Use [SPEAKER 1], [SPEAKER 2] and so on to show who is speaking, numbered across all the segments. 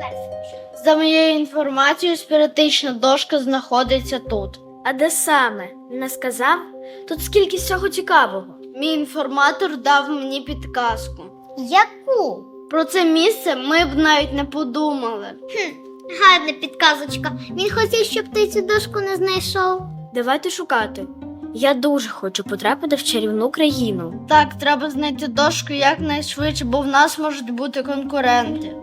[SPEAKER 1] За моєю інформацією, спіритична дошка знаходиться тут.
[SPEAKER 2] А де саме? Не сказав? Тут скільки всього цікавого.
[SPEAKER 1] Мій інформатор дав мені підказку.
[SPEAKER 3] Яку?
[SPEAKER 1] Про це місце ми б навіть не подумали.
[SPEAKER 3] Гарна підказочка. Він хотів, щоб ти цю дошку не знайшов.
[SPEAKER 2] Давайте шукати. Я дуже хочу потрапити в чарівну країну.
[SPEAKER 1] Так, треба знайти дошку якнайшвидше, бо в нас можуть бути конкуренти.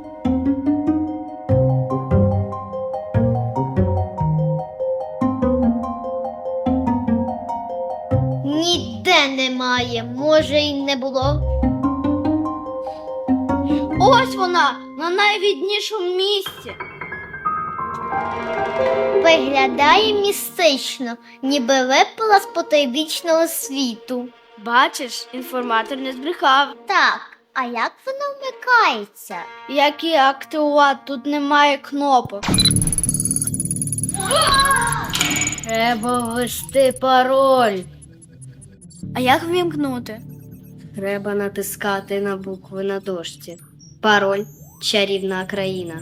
[SPEAKER 3] Ніде немає, може й не було.
[SPEAKER 1] Ось вона, на найвіднішому місці.
[SPEAKER 3] Виглядає містично, ніби випала з потойбічного світу.
[SPEAKER 2] Бачиш, інформатор не збрехав.
[SPEAKER 3] Так, а як воно вмикається?
[SPEAKER 1] Як її активувати? Тут немає кнопок. Треба ввести пароль.
[SPEAKER 2] А як ввімкнути?
[SPEAKER 1] Треба натискати на букви на дошці. Пароль – чарівна країна.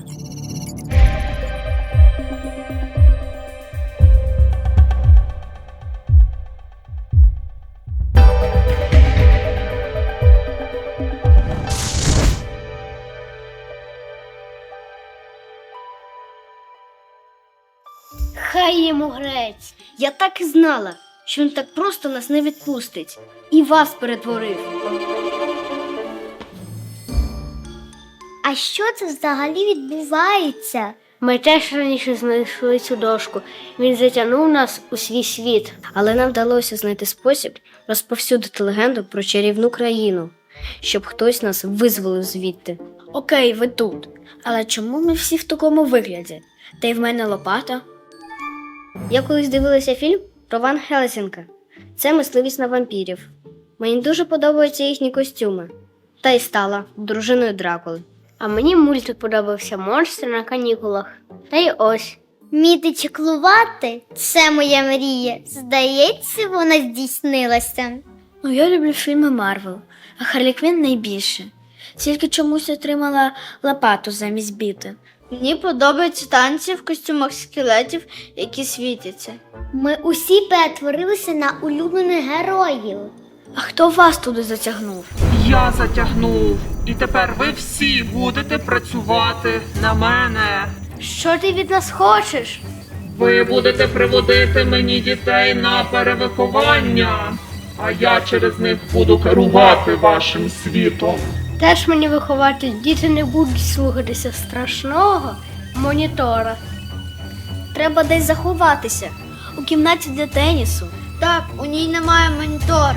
[SPEAKER 1] Хай йому грець. Я так і знала, що він так просто нас не відпустить. І вас перетворив.
[SPEAKER 3] А що це взагалі відбувається?
[SPEAKER 1] Ми теж раніше знайшли цю дошку. Він затягнув нас у свій світ. Але нам вдалося знайти спосіб розповсюдити легенду про чарівну країну, щоб хтось нас визволив звідти.
[SPEAKER 2] Окей, ви тут. Але чому ми всі в такому вигляді? Та й в мене лопата.
[SPEAKER 1] Я колись дивилася фільм про Ван Хельсінга. Це мисливість на вампірів. Мені дуже подобаються їхні костюми. Та й стала дружиною Дракули. А мені мультик подобався «Монстри на канікулах». Та й ось.
[SPEAKER 3] Вміти чеклувати – це моя мрія. Здається, вона здійснилася.
[SPEAKER 2] Ну, я люблю фільми Марвел, а Харлі Квінн найбільше. Тільки чомусь отримала лопату замість біти.
[SPEAKER 1] Мені подобаються танці в костюмах скелетів, які світяться.
[SPEAKER 3] Ми усі перетворилися на улюблених героїв.
[SPEAKER 2] А хто вас туди затягнув?
[SPEAKER 4] Я затягнув. І тепер ви всі будете працювати на мене.
[SPEAKER 1] Що ти від нас хочеш?
[SPEAKER 4] Ви будете приводити мені дітей на перевиховання, а я через них буду керувати вашим світом.
[SPEAKER 1] Теж мені вихователь, діти не будуть слухатися страшного монітора.
[SPEAKER 2] Треба десь заховатися. У кімнаті для тенісу.
[SPEAKER 1] Так, у ній немає монітора.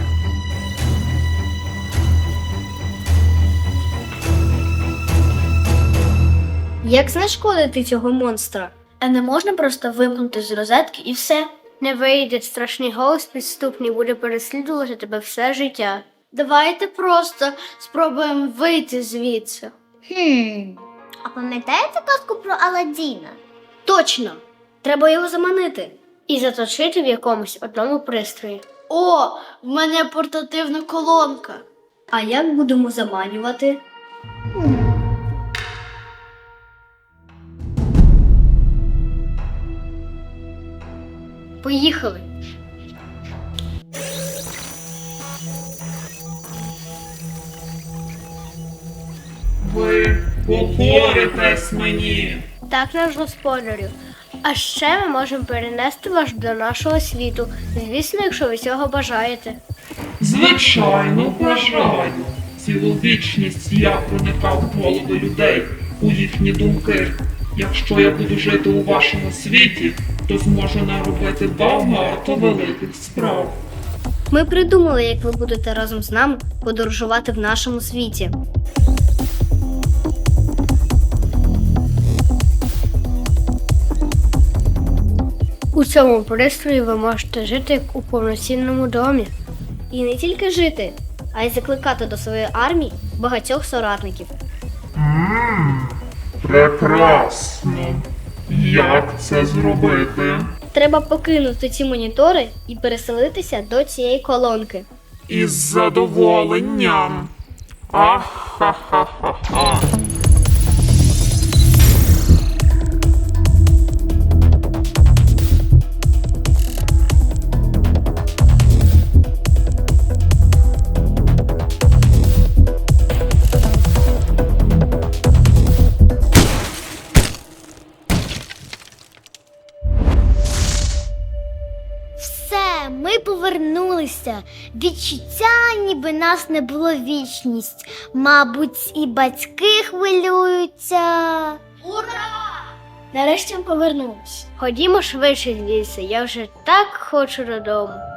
[SPEAKER 1] Як знешкодити цього монстра?
[SPEAKER 2] А не можна просто вимкнути з розетки і все?
[SPEAKER 1] Не вийде, страшний голос підступний буде переслідувати тебе все життя. Давайте просто спробуємо вийти звідси.
[SPEAKER 3] А пам'ятаєте казку про Аладдіна?
[SPEAKER 1] Точно! Треба його заманити і заточити в якомусь одному пристрої. О, в мене портативна колонка. А як будемо заманювати? Поїхали.
[SPEAKER 4] Ви покоритесь мені.
[SPEAKER 1] Так, наш господарю. А ще ми можемо перенести вас до нашого світу. Звісно, якщо ви цього бажаєте.
[SPEAKER 4] Звичайно, бажаю. Цілу вічність я проникав в голови людей, у їхні думки. Якщо я буду жити у вашому світі, то зможу наробити багато великих справ.
[SPEAKER 1] Ми придумали, як ви будете разом з нами подорожувати в нашому світі. У цьому пристрої ви можете жити як у повноцінному домі. І не тільки жити, а й закликати до своєї армії багатьох соратників.
[SPEAKER 4] Прекрасно. Як це зробити?
[SPEAKER 1] Треба покинути ці монітори і переселитися до цієї колонки.
[SPEAKER 4] Із задоволенням. Ах-ха-ха-ха-ха.
[SPEAKER 3] повернулися. Відчуття, ніби нас не було вічність. Мабуть, і батьки хвилюються.
[SPEAKER 2] Нарешті ми повернулись.
[SPEAKER 1] Ходімо швидше з лісу, я вже так хочу додому.